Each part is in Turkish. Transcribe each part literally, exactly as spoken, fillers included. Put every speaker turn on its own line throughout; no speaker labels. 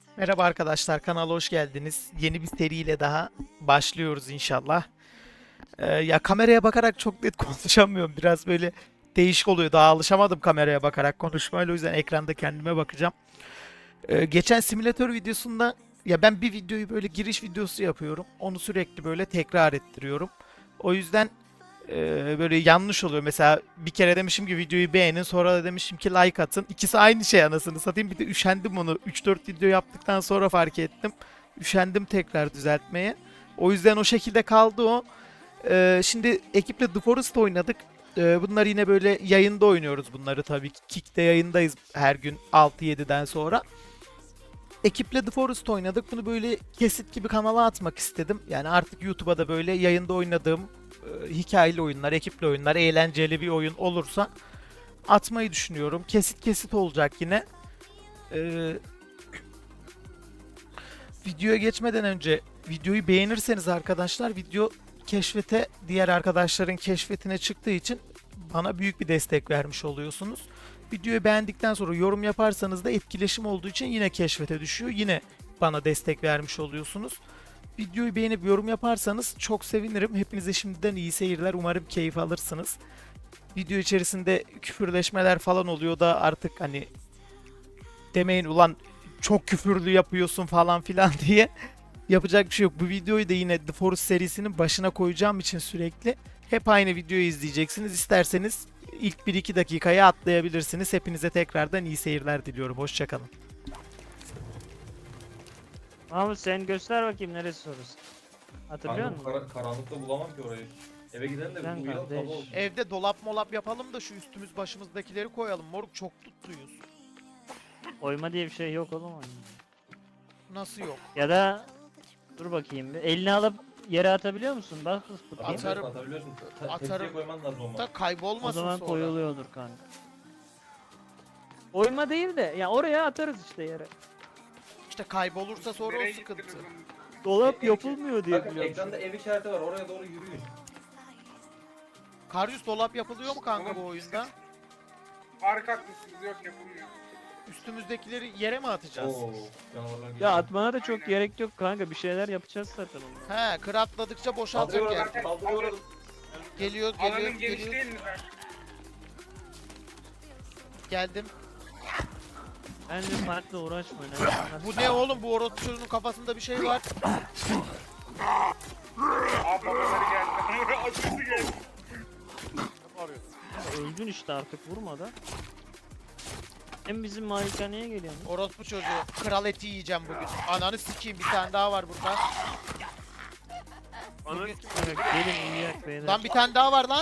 Merhaba arkadaşlar, kanala hoş geldiniz. Yeni bir seriyle daha başlıyoruz inşallah. Ee, ya kameraya bakarak çok net konuşamıyorum. Biraz böyle değişik oluyor. Daha alışamadım kameraya bakarak konuşmayla. O yüzden ekranda kendime bakacağım. Ee, geçen simülatör videosunda ya ben bir videoyu böyle giriş videosu yapıyorum. Onu sürekli böyle tekrar ettiriyorum. O yüzden e, böyle yanlış oluyor. Mesela bir kere demişim ki videoyu beğenin, sonra da demişim ki like atın. İkisi aynı şey, anasını satayım. Bir de üşendim onu. üç dört video yaptıktan sonra fark ettim. Üşendim tekrar düzeltmeye. O yüzden o şekilde kaldı o. Ee, şimdi ekiple The Forest oynadık. Ee, bunlar yine böyle yayında oynuyoruz bunları tabii ki. Kick'te yayındayız her gün altı yediden sonra. Ekiple The Forest oynadık. Bunu böyle kesit gibi kanala atmak istedim. Yani artık YouTube'a da böyle yayında oynadığım e, hikayeli oyunlar, ekipli oyunlar, eğlenceli bir oyun olursa atmayı düşünüyorum. Kesit kesit olacak yine. Ee, videoya geçmeden önce videoyu beğenirseniz arkadaşlar, video keşfete, diğer arkadaşların keşfetine çıktığı için bana büyük bir destek vermiş oluyorsunuz. Videoyu beğendikten sonra yorum yaparsanız da etkileşim olduğu için yine keşfete düşüyor. Yine bana destek vermiş oluyorsunuz. Videoyu beğenip yorum yaparsanız çok sevinirim. Hepinize şimdiden iyi seyirler. Umarım keyif alırsınız. Video içerisinde küfürleşmeler falan oluyor da artık hani demeyin ulan çok küfürlü yapıyorsun falan filan diye. Yapacak bir şey yok. Bu videoyu da yine The Forest serisinin başına koyacağım için sürekli hep aynı videoyu izleyeceksiniz. İsterseniz ilk bir iki dakikaya atlayabilirsiniz. Hepinize tekrardan iyi seyirler diliyorum. Hoşçakalın.
Mahmut sen göster bakayım neresi sorusu. Hatırlıyor
Kanka
musun?
kara- karanlıkta bulamam ki orayı. Eve gidelim de
Sen
bir uyuyalım
kardeş.
sabah olsun.
Evde dolap molap yapalım da şu üstümüz başımızdakileri koyalım. Moruk çok tutluyuz.
Oyma diye bir şey yok oğlum oyunda.
Nasıl yok?
Ya da dur bakayım bir. Elini alıp yere atabiliyor musun? Bak bakayım.
Atarım.
Atabiliyorsun, atabiliyorsun. Ta-
Atarım.
Tepsiye koyman lazım ama.
Da
O
kaybolmasın
zaman
sonra.
koyuluyordur kanka. Oyma değil de ya oraya atarız işte yere.
İşte kaybolursa sonra o sıkıntı.
Dolap
E-
yapılmıyor diye
Bakın
biliyorum.
ekranda ev işareti var, oraya doğru yürüyün.
Karyus, dolap yapılıyor mu kanka bu oyunda?
Harika haklısınız, yok yapılmıyor.
Üstümüzdekileri yere mi atacağız?
Oo, canavarlar geliyor.
Ya atmana da çok gerek yok kanka. Bir şeyler yapacağız zaten onunla.
He, kıratladıkça boşalacak
Kaldırıyor
yer.
oradan, kaldırıyor oradan.
Geliyor, geliyor,
Alanın geniş
geliyor.
değil mi ben?
Geldim.
Bence farklı uğraşma. Ne?
Bu ne oğlum? Bu orospu çocuğunun kafasında bir şey var.
Aa babaları geldi. Acısı geldi.
Öldün işte artık vurma da. Hem bizim malikaneye geliyorsun.
Orospu çocuğu. Kral eti yiyeceğim bugün. Ananı sikeyim, bir tane daha var burada. Bugün...
Evet, gelin uyuyak beyler.
Lan bir tane daha var lan.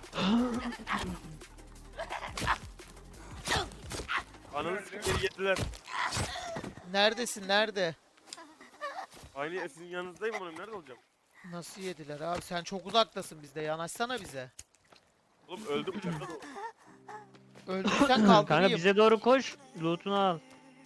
Ananı sikeri yediler.
Neredesin? Nerede?
Aynı sizin yanınızdayım oğlum, nerede olacağım?
Nasıl yediler abi? Sen çok uzaktasın bizde. Yanaşsana bize.
Oğlum öldüm uçakta da.
Öldürsen
Kanka
kaldırayım.
bize doğru koş. Loot'unu al.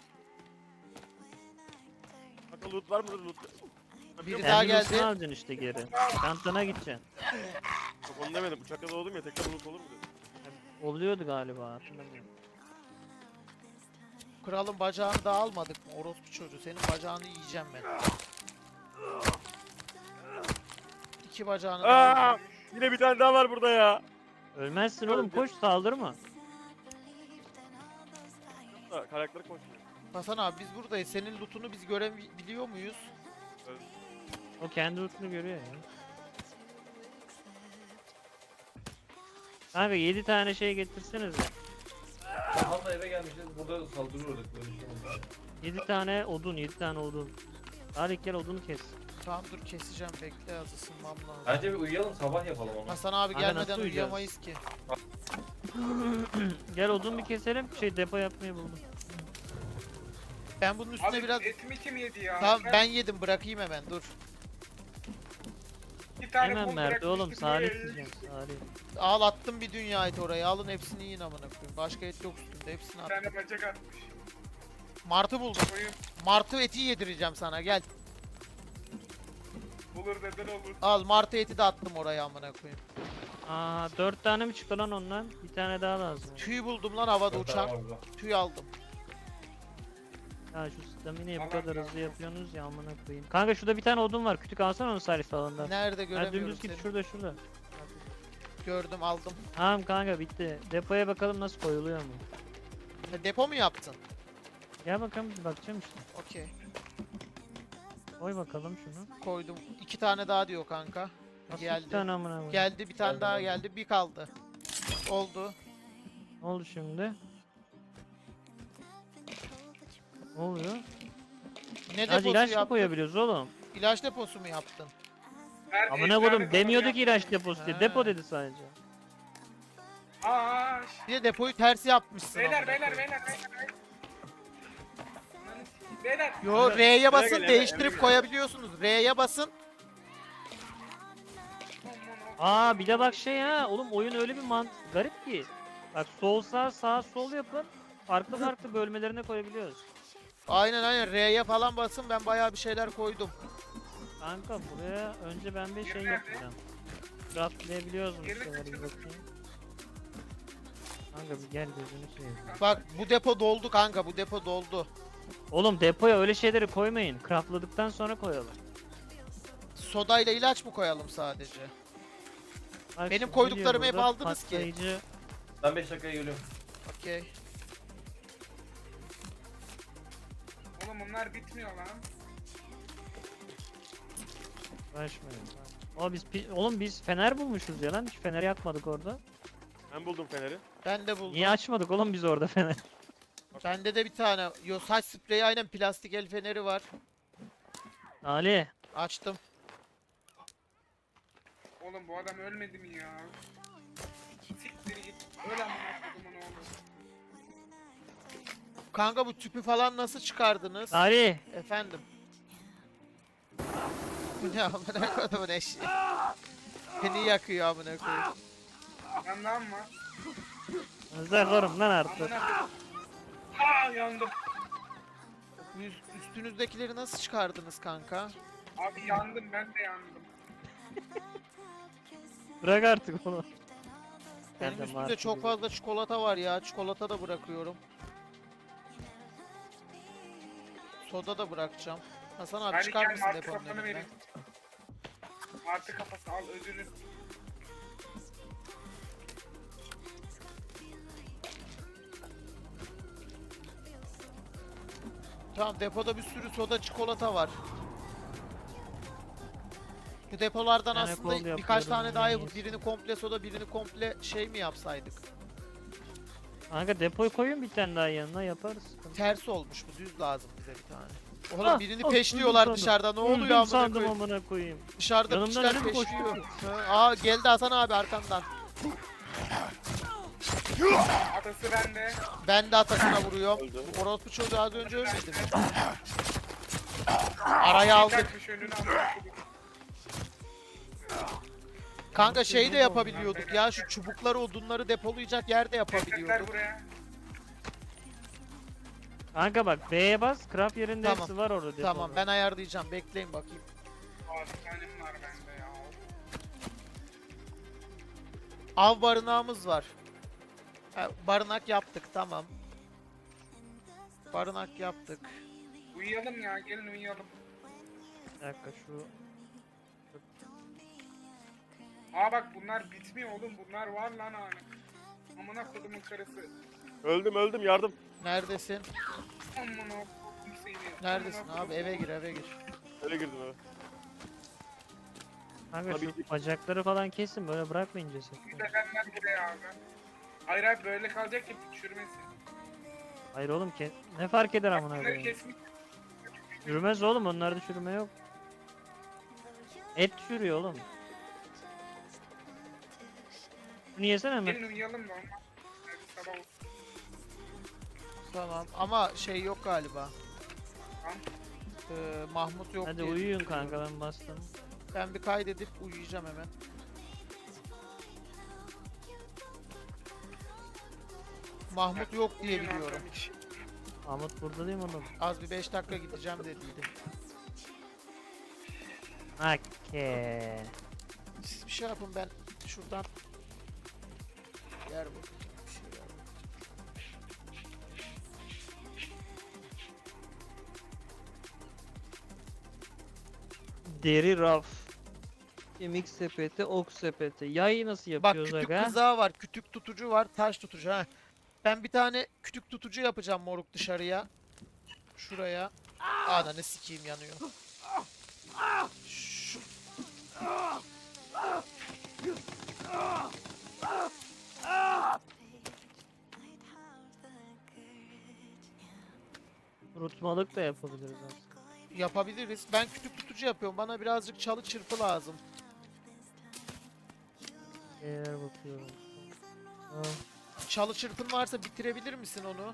Kanka loot var mıdır loot?
Biri
Yok,
daha
Kendi loot'unu
geldi.
alacaksın işte geri. Çantana gideceksin.
Yok onu demedim, uçakta doğdum ya, tekrar loot olur mu dedim.
Oluyordu galiba hatırlamıyorum.
Kralın bacağını da almadık mı? Orospu çocuğu. Senin bacağını yiyeceğim ben. İki bacağını da
Aa,
aldım.
yine bir tane daha var burada ya.
Ölmezsin oğlum koş saldırma.
Ha, karakter koşuyor.
Hasan abi biz buradayız. Senin lootunu biz görebiliyor muyuz?
O kendi loot'unu görüyor ya. Kanka yedi tane şey getirseniz ya.
Hatta eve gelmişiz, burada saldırıyorduk, böyle bir şey oldu.
yedi tane odun, yedi tane odun. Hadi gel odunu kes.
Tamam dur, keseceğim, bekle, az ısınmam lazım.
Bence bir uyuyalım, sabah yapalım onu.
Hasan abi
Kanka
gelmeden
nasıl uyuyacağız?
uyuyamayız ki.
Gel odun bir keselim. Şey depo yapmayı buldum.
Ben bunun üstüne
Abi
biraz...
etimi kim yedi ya?
Tamam ben yedim, bırakayım hemen, dur.
Bir tane
Hemen
kum
Mert oğlum
bırakmıştım,
Salih
böyle-
diyeceğim Salih.
Al, attım bir dünya et oraya, alın hepsini yiyin amına koyayım. Başka et yok üstünde, hepsini
Bir
attım.
tane bacak atmış.
Martı buldum.
Koyun
Martı eti yedireceğim sana, gel.
olur neden olur.
Al, martı eti de attım oraya amına koyayım.
Aa dört tane mi çıktı lan ondan? Bir tane daha lazım.
Tüy buldum lan havada
Dört tane
uçan.
var burada.
Tüy aldım.
Ya şu stamineyi bu
Allah
kadar
Allah.
hızlı yapıyorsunuz ya amına koyayım. Kanka şurada bir tane odun var. Kütük alsana onu Salih alanında.
Nerede
Ha
göremiyorum
dümdüz git
seni.
şurada şurada.
Gördüm, aldım.
Tamam kanka bitti. Depoya bakalım nasıl koyuluyor mu?
E, depo mu yaptın?
Gel bakalım bir bakacağım işte.
Okey.
Koy bakalım şunu.
Koydum. İki tane daha diyor kanka.
Nasıl iki
Geldi.
tane amına koyayım?
Geldi bir tane
Geldi,
daha
geldi.
geldi. Bir kaldı. Oldu.
Ne oldu şimdi? Ne oluyor?
Ne
Hadi
deposu
ilaç mı
yaptın?
koyabiliyoruz oğlum?
İlaç deposu mu yaptın?
Her
Amına
ejderha
koydum
kafalı
demiyordu
yap-
ki ilaç deposu diye.
Ha.
Depo dedi sadece.
Aa, ş-
Bir de depoyu ters yapmışsın.
beyler
amına
beyler
koyayım.
beyler beyler. Beyler.
Yo, R'ye basın,
gel, Emre,
değiştirip
Emre gel.
koyabiliyorsunuz. R'ye basın.
Aa bir de bak şey ha oğlum oyun öyle bir mant garip ki. Bak sol sağ sağ sol yapın. Farklı farklı bölmelerine koyabiliyoruz.
Aynen aynen, R'ye falan basın, ben bayağı bir şeyler koydum.
Kanka buraya önce ben bir şey
Yeri nerede?
yapacağım. Craftlayabiliyoruz mu bir
Yerini
şeyleri bir
kaçırdın.
bakayım. Kanka bir gel gözünü seveyim.
Bak bu depo doldu kanka, bu depo doldu.
Oğlum depoya öyle şeyleri koymayın. Craftladıktan sonra koyalım.
Sodayla ilaç mı koyalım sadece?
Bak
Benim
şimdi
koyduklarımı
geliyor
hep
burada
aldınız ki.
patlayıcı-
Ben beş dakikaya geliyorum.
Okey.
Oğlum bunlar bitmiyor lan.
Uğraşmayın. Aa biz pi- oğlum biz fener bulmuşuz ya lan. Hiç fener yakmadık orada.
Ben buldum feneri.
Ben de buldum.
Niye açmadık oğlum biz orada fener?
Bende de bir tane. Yo, saç spreyi, aynen plastik el feneri var.
Ali.
Açtım.
Oğlum bu adam ölmedi mi ya? Siktir git. Öl amına kodumun oğlu.
Kanka bu tüpü falan nasıl çıkardınız?
Ali.
Efendim. Bu ne amına kodumun eşeği. Beni yakıyor amına koyayım.
Yandan var.
Zırlarım lan artık.
Amına koydum. Aa yandım.
Bu üst- üstünüzdekileri nasıl çıkardınız kanka?
Abi yandım ben de yandım.
Bırak artık onu.
Benim
Ben de
üstümde
martı
çok
gibi.
fazla çikolata var ya. Çikolata da bırakıyorum. Soda da bırakacağım. Hasan abi
Hadi
çıkar
gel
mısın
martı
deponun
kafanı
önünden?
vereyim. Martı kafası al ödülü.
Tamam, depoda bir sürü soda çikolata var. Bu depolardan
Yani
aslında
kol
birkaç
yapıyorum,
tane daha
en
yapıp
iyisi.
birini komple soda, birini komple şey mi yapsaydık?
Kanka depoyu koyun bir tane daha yanına yaparız.
Ters olmuş, bu düz lazım bize bir tane. Oğlum
Ah,
birini
ah,
peşliyorlar
öldüm
dışarıda, ne
sandım.
oluyor
Öldüm
amına
sandım
koyayım?
amına koyayım.
Dışarıda
Yanımdan
piçler
ölüm
peşliyor.
koşuyor.
Ha, aa geldi Hasan abi arkandan.
Atası bende.
Ben de atasına vuruyorum.
Öldü.
Bu orospu çocuğu az önce ölmedi mi? Araya aldık.
Kaçmış önünü amına koydum.
Kanka şey de yapabiliyorduk ya, şu çubukları, odunları depolayacak yer de
Tekrar
yapabiliyorduk.
buraya.
Kanka bak B'ye bas. Craft yerinde
Tamam.
hepsi var orada depoda.
Tamam, ben ayarlayacağım, bekleyin bakayım.
Aa bir tanem var bende ya.
Av barınağımız var. Ha, barınak yaptık, tamam. Barınak yaptık.
Uyuyalım ya gelin uyuyalım.
Bir dakika şu.
Aa bak bunlar bitmiyor oğlum bunlar var lan hani. Amına kodumun karısı.
Öldüm öldüm yardım.
Neredesin?
Amına kodum seni.
Neredesin
Amına
abi?
kodum.
Eve gir, eve gir.
Öyle girdim eve.
Kanka
Tabii
şu
ki.
bacakları falan kesin böyle bırakmayın ceset.
Bir de benden buraya abi. Hayır abi böyle kalacak ki çürümesin.
Hayır oğlum ke ne fark eder amına
Bunları
koyayım.
kesmiş.
Çürümez oğlum onlarda çürüme yok. Et çürüyor oğlum. Bunu yesene mi?
Gelin uyuyalım da ondan. Hadi sabah olsun.
Tamam ama şey yok galiba.
Tamam.
Ee, Mahmut yok
Hadi
diye
uyuyun
düşünüyorum.
kanka ben bastım.
Ben bir kaydedip uyuyacağım hemen. Mahmut yok diye
Uyuyun
biliyorum.
arkadaş. hiç.
Ahmet burada değil mi oğlum?
Az bir beş dakika gideceğim dediydi.
Hakke.
Siz bir şey yapın, ben şuradan yer bakayım. Bir şey yer bakayım.
Deri raf. Kemik sepeti, ok sepeti. Yayı nasıl
Bak
yapıyoruz
kütük
aga?
kızağı var, kütük tutucu var, taş tutucu ha. Ben bir tane kütük tutucu yapacağım moruk dışarıya. Şuraya. Ananı sikeyim yanıyor. Şu...
Kurutmalık da yapabiliriz aslında.
Yapabiliriz. Ben kütük tutucu yapıyorum. Bana birazcık çalı çırpı lazım.
Eğer bakıyorum. Ha,
Çalı çırpın varsa bitirebilir misin onu?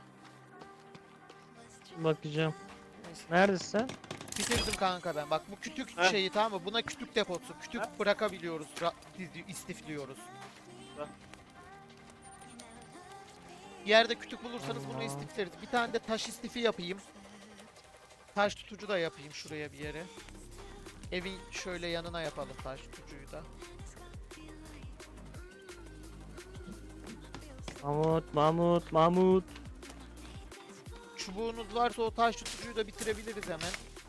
bakacağım.
Neyse.
Neredesin sen?
Bitirdim kanka ben. Bak bu kütük
Heh.
şeyi tamam mı? Buna kütük deposu. Kütük
Heh.
bırakabiliyoruz. ra- dizi- istifliyoruz.
Heh.
Yerde kütük bulursanız bunu
Allah.
istifleriz. Bir tane de taş istifi yapayım. Taş tutucu da yapayım şuraya bir yere. Evin şöyle yanına yapalım taş tutucuyu da.
Mahmut, Mahmut, Mahmut.
Çubuğunuz varsa o taş tutucuyu da bitirebiliriz hemen.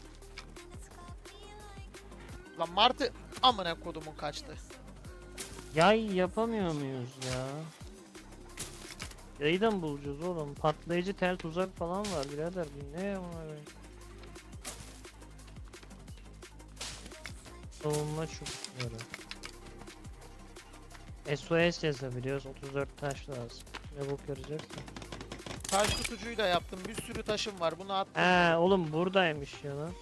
Lan Martı amına kodumun kaçtı.
Yay yapamıyor muyuz ya? Yayı da mı bulacağız oğlum? Patlayıcı tel tuzak falan var birader. Bu ne ya bunlar? Savunma çubukları. S O S yazabiliyoruz. otuz dört taş lazım. Ne bok yarayacaksın?
Taş tutucuyu da yaptım. Bir sürü taşım var. Bunu attım.
He oğlum buradaymış ya lan.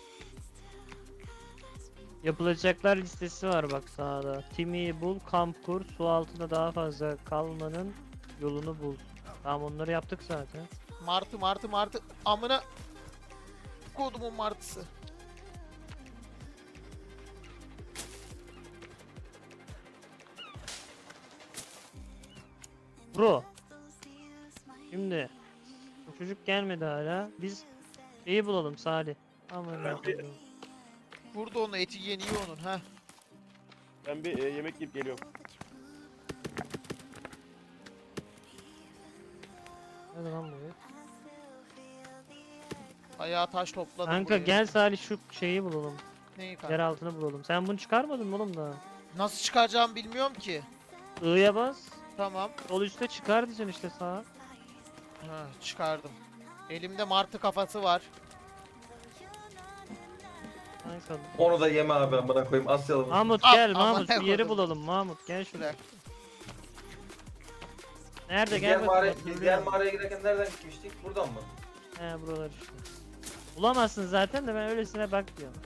Yapılacaklar listesi var bak sağda. Timi'yi bul, kamp kur, su altında daha fazla kalmanın yolunu bul. Tamam onları yaptık zaten.
Martı martı martı amına kodumun martısı.
Bro. Şimdi bu çocuk gelmedi hala. Biz şeyi bulalım Salih. Aman
Ben
Allah'ım.
bir-
Burada onu eti yeniyor onun ha.
Ben bir e, yemek yiyip geliyorum.
Hadi lan buraya.
Ayağa taş topladım.
Kanka
buraya.
gel Salih şu şeyi bulalım.
Neyi kanka?
Yer altını bulalım. Sen bunu çıkarmadın mı oğlum daha?
Nasıl çıkaracağımı bilmiyorum ki.
I'ya bas.
Tamam.
Sol üstte çıkar diyeceksin işte sağa.
Ha çıkardım. Elimde martı kafası var.
Kanka.
Onu da yeme abi amına koyayım Asyalı mısın?
Mahmut
Ah,
gel
aman
Mahmut
ne
bir yeri
kodum.
bulalım Mahmut gel şuraya.
Şuraya.
Nerede
Biz
gel
diğer, mağara,
bakayım.
biz
Dur
diğer
bir-
mağaraya giderken nereden gitmiştik? Buradan mı?
He buralar işte. Bulamazsın zaten de ben öylesine bak diyorum.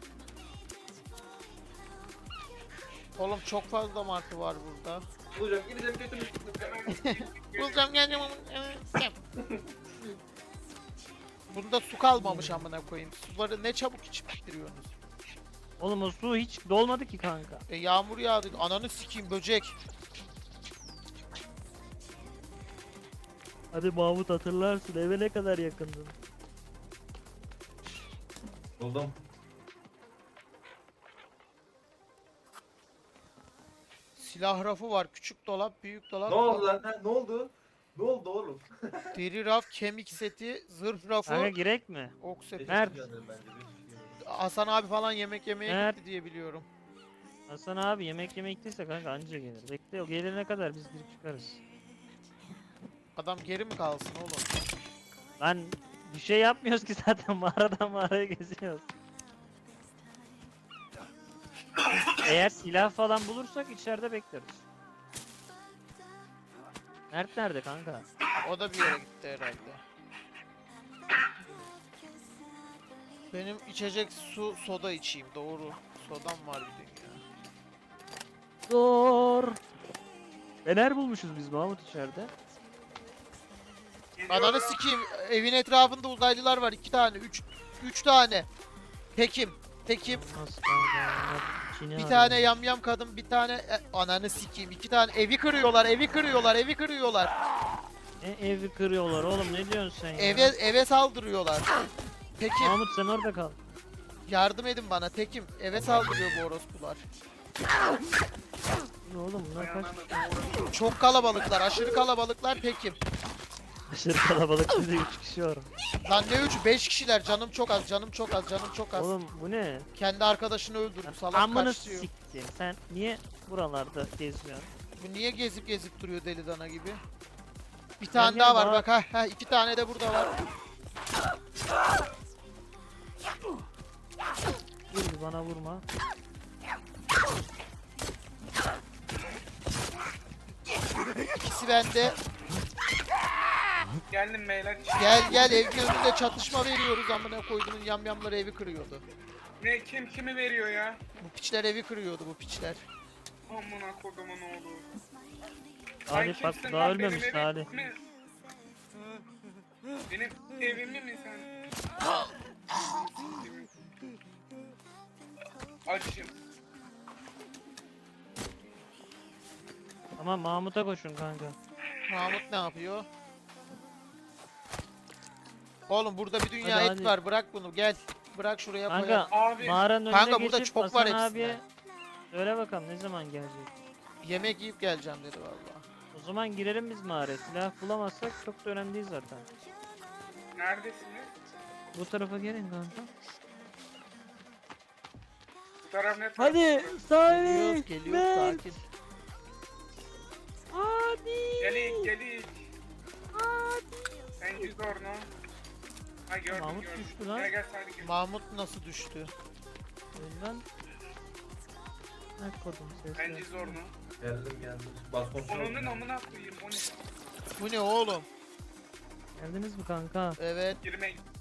Oğlum çok fazla martı var burada.
Bulacağım gideceğim götümü.
Bulacağım geleceğim. Bunda su kalmamış amına koyayım. Suları ne çabuk içip bitiriyorsunuz.
Oğlum o su hiç dolmadı ki kanka.
E yağmur yağdı. Ananı sikeyim böcek.
Hadi Mahmut hatırlarsın eve ne kadar yakındın.
Buldum.
Silah rafı var. Küçük dolap, büyük dolap.
Ne oldu lan? Ha, ne oldu? Ne oldu oğlum?
Deri raf, kemik seti, zırh rafı,
Kanka girek mi?
ok sepeti.
Nerede?
Bence, bir şey.
Hasan abi falan yemek yemeye
Nerede?
gitti diye biliyorum.
Hasan abi yemek yemek gittiyse kanka anca gelir. Bekle o gelene kadar biz girip çıkarız.
Adam geri mi kalsın oğlum?
Lan bir şey yapmıyoruz ki zaten mağaradan mağaraya geziyoruz. Eğer silah falan bulursak içeride bekleriz. Mert nerede kanka?
O da bir yere gitti herhalde. Benim içecek su soda içeyim doğru. Sodam var bir dünya.
Dur. Fener bulmuşuz biz Mahmut içeride.
Ananı sikeyim. Evin etrafında uzaylılar var. iki tane, üç, üç tane. Tekim, tekim.
Nasıl kanka? İçini
Bir
arıyorum.
tane yamyam kadın, bir tane e, ananı sikeyim. iki tane evi kırıyorlar, evi kırıyorlar, evi kırıyorlar.
E, evi kırıyorlar oğlum ne diyorsun sen ya?
Eve eve saldırıyorlar. Tekim,
Mahmut sen orada kal.
yardım edin bana Tekim. Eve saldırıyor bu orospular.
Ne oğlum bunlar kaç?
Çok kalabalıklar, aşırı kalabalıklar Tekim.
Aşırı kalabalık bir de üç kişi var.
Lan ne üçü? beş kişiler. Canım çok az, canım çok az, canım çok az.
Oğlum bu ne?
Kendi arkadaşını öldürdü. Salak
Amını
kaçıyor.
siktim. Sen niye buralarda geziyorsun?
Bu niye gezip gezip duruyor deli dana gibi? Bir tane
gel
daha var
bana-
bak ha. Ha iki tane de burada var.
Vur bana vurma.
İkisi bende.
Geldim beyler.
Gel gel evin önünde çatışma veriyoruz amına koyduğunun yamyamları evi kırıyordu.
Ne kim kimi veriyor ya?
Bu piçler evi kırıyordu bu piçler.
Amına kodumun oğlu. Sen
Salih bak
kimsin
daha
lan?
ölmemiş
Benim
Salih.
evim mi? Benim evimi mi sen? Açım.
Ama Mahmut'a koşun kanka.
Mahmut ne yapıyor? Oğlum burada bir dünya
Hadi,
et
hadi.
var bırak bunu gel. Bırak şuraya
Kanka
koyalım.
Abi
mağaranın önüne
Kanka burada
geçip
çok
Hasan
var hepsinde.
abiye söyle bakalım ne zaman gelecek.
Yemek yiyip geleceğim dedi valla.
O zaman girelim biz mağaraya. Silah bulamazsak çok da önemli değil zaten.
neredesiniz?
Bu tarafa gelin kanka.
Bu taraf ne taraf?
Hadi
Geliyoruz
Salih.
geliyoruz sakin.
Hadi.
Gelik gelik. Sen yüz orno. Ha gördüm
Mahmut
gördüm.
düştü lan.
Gel gel Salih gel.
Mahmut nasıl düştü?
Önden. Ne kodum
Ben
sesle.
yüz orno.
Geldim geldim. Bas kontrol.
Onun amına koyayım o ne?
Bu ne oğlum?
Geldiniz mi kanka?
Evet.
Girme